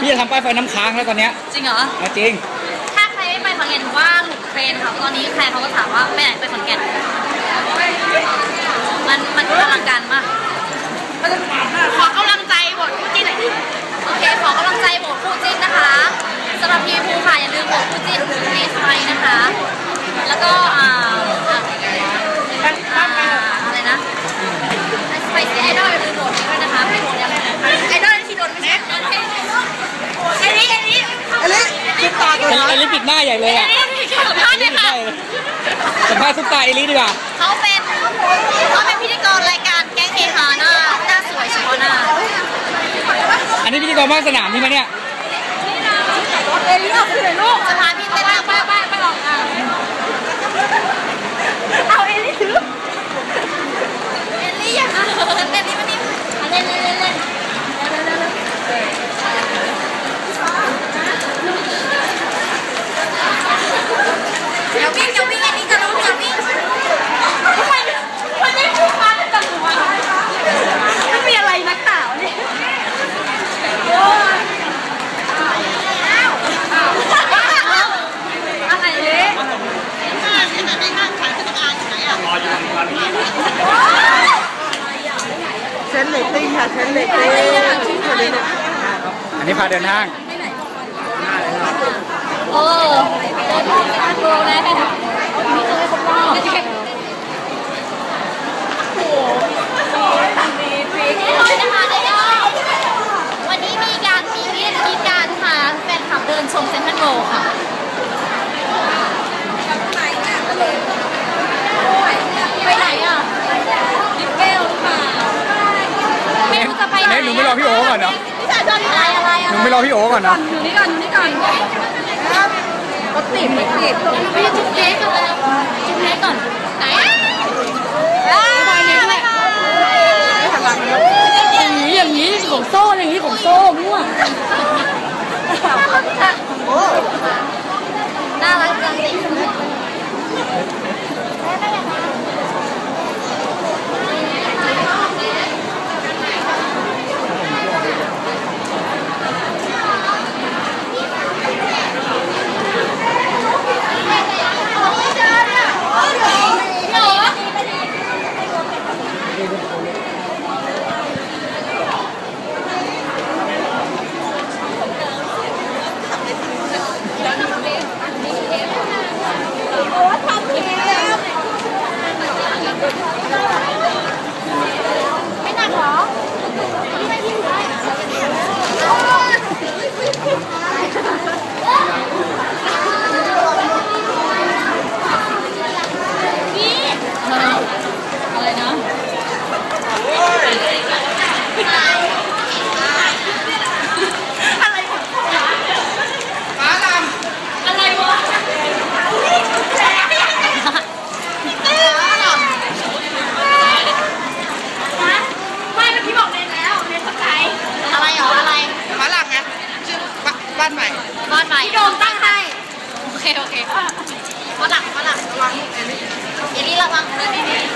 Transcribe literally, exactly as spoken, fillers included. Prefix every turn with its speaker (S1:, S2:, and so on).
S1: จะทำป้ายไฟน้ำค้างแล้วตอนเนี้ย
S2: จริงเหรอ
S1: จริง
S2: ถ้าใครไม่ไปขอนแก่นว่าหลุดเทรนค่ะตอนนี้ใครเขาก็ถามว่าไปไหนไปขอนแก่นมันมันอลังการมากขอกำลังใจโหวตคู่จิ้นหน่อยดิโอเคขอกำลังใจโหวตคู่จิ้นนะคะสำหรับพีภูค่ะอย่าลืมโหวตคู่จิ้นเนสไฟนะคะแล้วก็อ่าอะไรนะไปที่ไอดอลอย่าลืมโหวตด้วยนะคะไปโหวตยังไอดอลที่โดนไม่ใช่ไอริไอริไอริปิดตาตัว
S1: ไอริปิดหน้าใหญ่เลยอ่ะ
S2: สัมภาษณ์เลยค่ะ
S1: สัมภาษณ์ซุปตาไอริดีกว่า
S2: เขาเป็นเขาเป็นพิธีกรรายการแก๊งเฮฮาหน้าหน้าสวยเฉพาะหน้า
S1: อันนี้พิธีกรภาคสนามใช่ไหมเนี่ย
S2: เอลิออกคือไหนลูกจะพาพี่เต้นไปไปไปไปหรอกอ่ะเอาเอลิถือเอลิอ่ะเต้นนี่มันนี่เล่นเล่นเล่นเล่นอย่าวิ่งอย่าวิ่งอันนี้จะรู้อย่าวิ่งทำไมมันไม่พูดมาแต่ตัวไม่มีอะไรนักข่าวเนี่ยอะไรเนี่ย
S3: เส้นเล็กติ้งค่ะเส้นเล็กติ้ง
S1: อันนี้พาเดินห้าง
S2: เออเดินห้างกันโกงเลยมีตัวคนรอบโอ้โหมีปีกนี่เลยนะคะเดี๋ยววันนี้มีการมีวิธีการพาแฟนคลับเดินชมเซ็นทรัลเวิลด์ค่ะไปไหนอ่ะดิเกลหรือเปล่าไม่รู้จะไปไหน
S1: หนูไม่รอพี่โอ๊ก่อนเนาะ
S2: อะไรอะไร
S1: หนูไม่รอพี่โอ๊ก่อนนะ
S2: อยู่นี่ก่อนอยู่นี่ก่อนรถติดรถติดไปจุดเล็กก่อนเลยจุดเล็กก่อนไหนอย่างนี้อย่างนี้ของโซ่อย่างนี้ของโซ่มั่วน่ารักจังเลยไม่หนักหรออะไรนะอะไรฟ้าลำอะไรวะไม่เมื่อกี้บอกเรียนแล้วเรียนสักไหนอะไรหรออะไร
S3: ฟ้าหลังไงชื่อบ้านใหม่
S2: บ้านใหม่พี่โดมตั้งให้โอเคโอเคฟ้าหลังฟ้าหลังระวังเอลี่ระวังเดินดีๆ